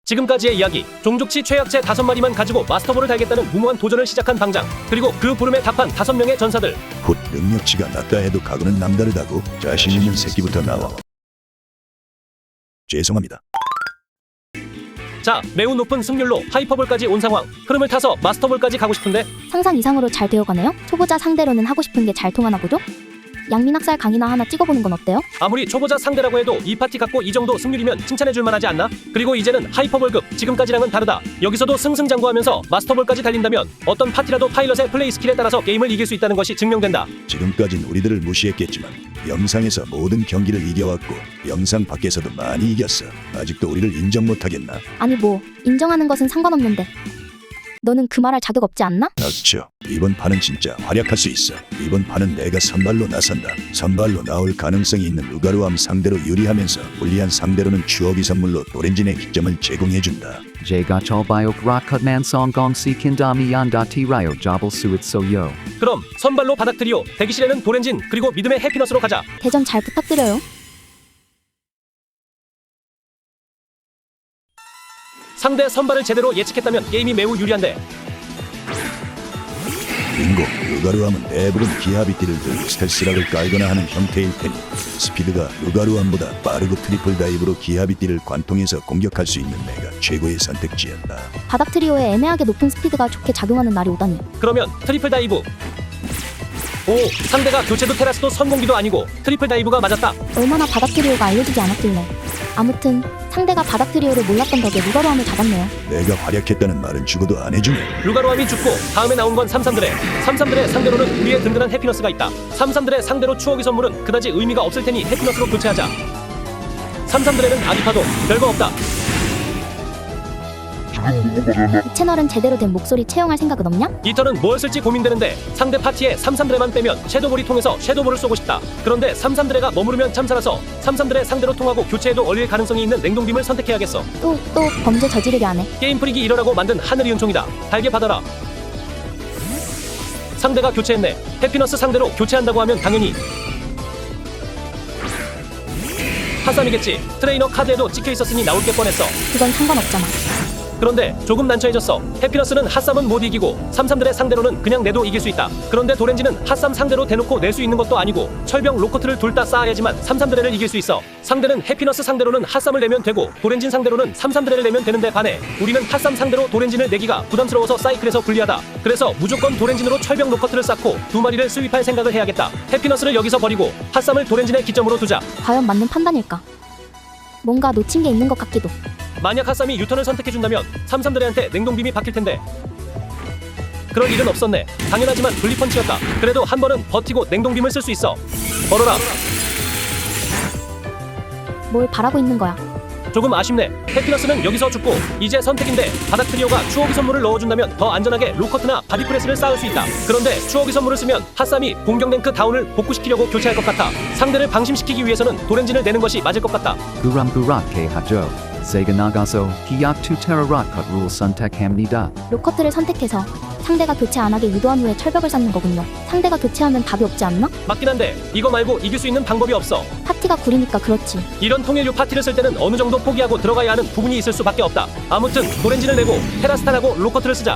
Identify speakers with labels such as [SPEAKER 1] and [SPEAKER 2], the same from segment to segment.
[SPEAKER 1] 지금까지의 이야기, 종족치 최약체 5마리만 가지고 마스터볼을 달겠다는 무모한 도전을 시작한 방장, 그리고 그 부름에 답한 5명의 전사들.
[SPEAKER 2] 훗, 능력치가 낮다 해도 각오는 남다르다고. 자신 있는 새끼부터 나와. 죄송합니다.
[SPEAKER 1] 자, 매우 높은 승률로 하이퍼볼까지 온 상황. 흐름을 타서 마스터볼까지 가고 싶은데
[SPEAKER 3] 상상 이상으로 잘 되어가네요. 초보자 상대로는 하고 싶은 게 잘 통하나 보죠? 양민학살 강의나 하나 찍어보는 건 어때요?
[SPEAKER 1] 아무리 초보자 상대라고 해도 이 파티 갖고 이 정도 승률이면 칭찬해줄 만하지 않나? 그리고 이제는 하이퍼볼급, 지금까지랑은 다르다. 여기서도 승승장구하면서 마스터볼까지 달린다면 어떤 파티라도 파일럿의 플레이 스킬에 따라서 게임을 이길 수 있다는 것이 증명된다.
[SPEAKER 2] 지금까진 우리들을 무시했겠지만 영상에서 모든 경기를 이겨왔고 영상 밖에서도 많이 이겼어. 아직도 우리를 인정 못하겠나?
[SPEAKER 3] 아니 뭐 인정하는 것은 상관없는데 너는 그 말할 자격 없지 않나?
[SPEAKER 2] 닥쳐. 이번 판은 진짜 활약할 수 있어. 이번 판은 내가 선발로 나선다. 선발로 나올 가능성이 있는 루가루암 상대로 유리하면서 불리한 상대로는 추억이 선물로 도렌진의 기점을 제공해준다.
[SPEAKER 4] Jga chalbayok rakutman songgong si kindami yanda tirayo jabal suit soyo.
[SPEAKER 1] 그럼 선발로 바닥 트리오, 대기실에는 도렌진, 그리고 믿음의 해피너스로 가자.
[SPEAKER 3] 대전 잘 부탁드려요.
[SPEAKER 1] 상대 선발을 제대로 예측했다면 게임이 매우 유리한데
[SPEAKER 2] 빙고. 루가루암은 대부분 기하비띠를 들고 스텔스락을 깔거나 하는 형태일 테니 스피드가 루가루암보다 빠르고 트리플 다이브로 기하비띠를 관통해서 공격할 수 있는 내가 최고의 선택지였다.
[SPEAKER 3] 바닥 트리오에 애매하게 높은 스피드가 좋게 작용하는 날이 오다니.
[SPEAKER 1] 그러면 트리플 다이브. 오, 상대가 교체도 테라스도 선공기도 아니고 트리플 다이브가 맞았다.
[SPEAKER 3] 얼마나 바닥 트리오가 알려지지 않았길래. 아무튼 상대가 바닥 트리오를 몰랐던 덕에 루가루암을 잡았네요.
[SPEAKER 2] 내가 활약했다는 말은 죽어도 안 해주네.
[SPEAKER 1] 루가루암이 죽고 다음에 나온 건 삼삼드레. 삼삼드레 상대로는 우리의 든든한 해피너스가 있다. 삼삼드레 상대로 추억의 선물은 그다지 의미가 없을 테니 해피너스로 교체하자. 삼삼드레는 아기파도 별거 없다.
[SPEAKER 3] 이 채널은 제대로 된 목소리 채용할 생각은 없냐?
[SPEAKER 1] 이 턴은 뭘 쓸지 고민되는데 상대 파티에 삼삼드레만 빼면 섀도볼이 통해서 섀도볼을 쏘고 싶다. 그런데 삼삼드레가 머무르면 참살아서 삼삼드레 상대로 통하고 교체해도 얼릴 가능성이 있는 냉동빔을 선택해야겠어.
[SPEAKER 3] 또 범죄 저지르려 하네.
[SPEAKER 1] 게임 프릭이 이러라고 만든 하늘이 은총이다. 달게 받아라. 상대가 교체했네. 해피너스 상대로 교체한다고 하면 당연히 하삼이겠지. 트레이너 카드에도 찍혀있었으니 나올 게 뻔했어.
[SPEAKER 3] 그건 상관없잖아.
[SPEAKER 1] 그런데 조금 난처해졌어. 해피너스는 핫삼은 못 이기고 삼삼들의 상대로는 그냥 내도 이길 수 있다. 그런데 도렌지는 핫삼 상대로 대놓고 낼 수 있는 것도 아니고 철병 로커트를 둘 다 쌓아야지만 삼삼드레를 이길 수 있어. 상대는 해피너스 상대로는 핫삼을 내면 되고 도렌진 상대로는 삼삼드레를 내면 되는데 반해 우리는 핫삼 상대로 도렌진을 내기가 부담스러워서 사이클에서 불리하다. 그래서 무조건 도렌진으로 철병 로커트를 쌓고 2마리를 스윕할 생각을 해야겠다. 해피너스를 여기서 버리고 핫삼을 도렌진의 기점으로 두자.
[SPEAKER 3] 과연 맞는 판단일까? 뭔가 놓친 게 있는 것 같기도.
[SPEAKER 1] 만약 핫삼이 유턴을 선택해준다면 삼삼드레한테 냉동빔이 박힐 텐데 그럴 일은 없었네. 당연하지만 분리펀치였다. 그래도 한 번은 버티고 냉동빔을 쓸 수 있어. 벌어라.
[SPEAKER 3] 뭘 바라고 있는 거야?
[SPEAKER 1] 조금 아쉽네. 해피너스는 여기서 죽고 이제 선택인데 바닥 트리오가 추억의 선물을 넣어준다면 더 안전하게 로커트나 바디프레스를 쌓을 수 있다. 그런데 추억의 선물을 쓰면 핫삼이 공격 랭크 다운을 복구시키려고 교체할 것 같아. 상대를 방심시키기 위해서는 도렌진을 내는 것이 맞을 것 같다.
[SPEAKER 4] Guram gurak ke hajo. Sega nagaso hiyak tu terarat cut rule suntek hamnida.
[SPEAKER 3] 로커트를 선택해서 상대가 교체 안 하게 유도한 후에 철벽을 쌓는 거군요. 상대가 교체하면 답이 없지 않나?
[SPEAKER 1] 맞긴 한데 이거 말고 이길 수 있는 방법이 없어.
[SPEAKER 3] 파티가 구리니까 그렇지.
[SPEAKER 1] 이런 통일류 파티를 쓸 때는 어느 정도 포기하고 들어가야 하는 부분이 있을 수밖에 없다. 아무튼 도렌진을 내고 테라스탄하고 로커트를 쓰자.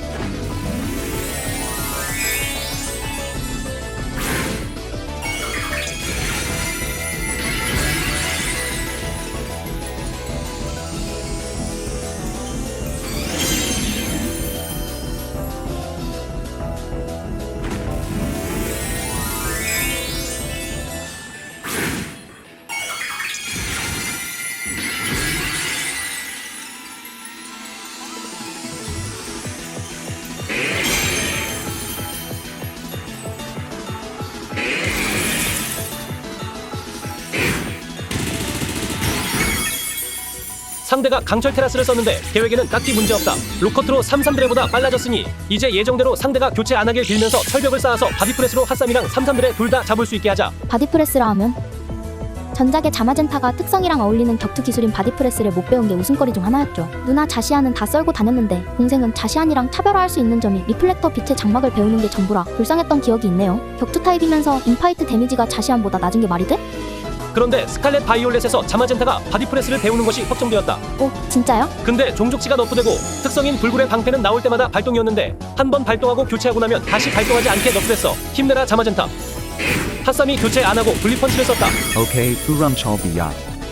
[SPEAKER 1] 상대가 강철 테라스를 썼는데 계획에는 딱히 문제없다. 로커트로 삼삼드레보다 빨라졌으니 이제 예정대로 상대가 교체 안 하길 빌면서 철벽을 쌓아서 바디프레스로 핫삼이랑 삼삼드레 둘 다 잡을 수 있게 하자.
[SPEAKER 3] 바디프레스라 하면 전작의 자마젠타가 특성이랑 어울리는 격투 기술인 바디프레스를 못 배운 게 웃음거리 중 하나였죠. 누나 자시안은 다 썰고 다녔는데 동생은 자시안이랑 차별화할 수 있는 점이 리플렉터 빛의 장막을 배우는 게 전부라 불쌍했던 기억이 있네요. 격투 타입이면서 인파이트 데미지가 자시안보다 낮은 게 말이 돼?
[SPEAKER 1] 그런데 스칼렛 바이올렛에서 자마젠타가 바디프레스를 배우는 것이 확정되었다.
[SPEAKER 3] 오, 진짜요?
[SPEAKER 1] 근데 종족치가 너프되고 특성인 불굴의 방패는 나올 때마다 발동이었는데 한 번 발동하고 교체하고 나면 다시 발동하지 않게 너프됐어. 힘내라 자마젠타. 핫삼이 교체 안 하고 분리펀치를 썼다.
[SPEAKER 4] Okay, Uram Chalbiya.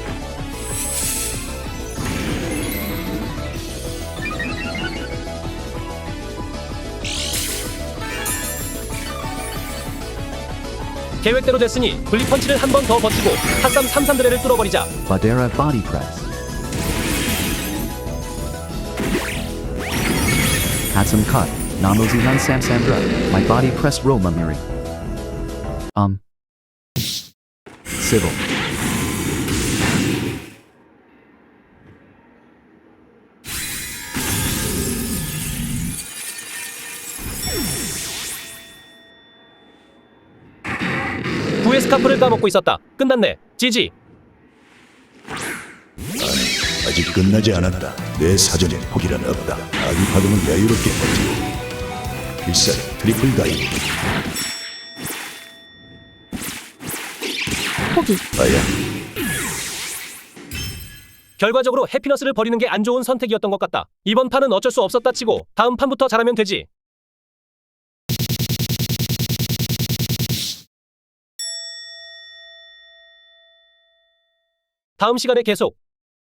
[SPEAKER 1] 계획대로 됐으니 분리펀치를 한 번 더 버티고 핫삼 33드레를 뚫어버리자.
[SPEAKER 4] Badera Body Press. Had some cut. Namozihan Samsandra. My body press Romamiri. Civil.
[SPEAKER 1] 구의 스카프를 까먹고 있었다. 끝났네. 지지.
[SPEAKER 2] 아직 끝나지 않았다. 내 사전에 포기란 없다. 아기 파동은 여유롭게 버티고 필살 트리플 다이브.
[SPEAKER 3] 포기.
[SPEAKER 2] 아야,
[SPEAKER 1] 결과적으로 해피너스를 버리는 게 안 좋은 선택이었던 것 같다. 이번 판은 어쩔 수 없었다 치고 다음 판부터 잘하면 되지. 다음 시간에 계속.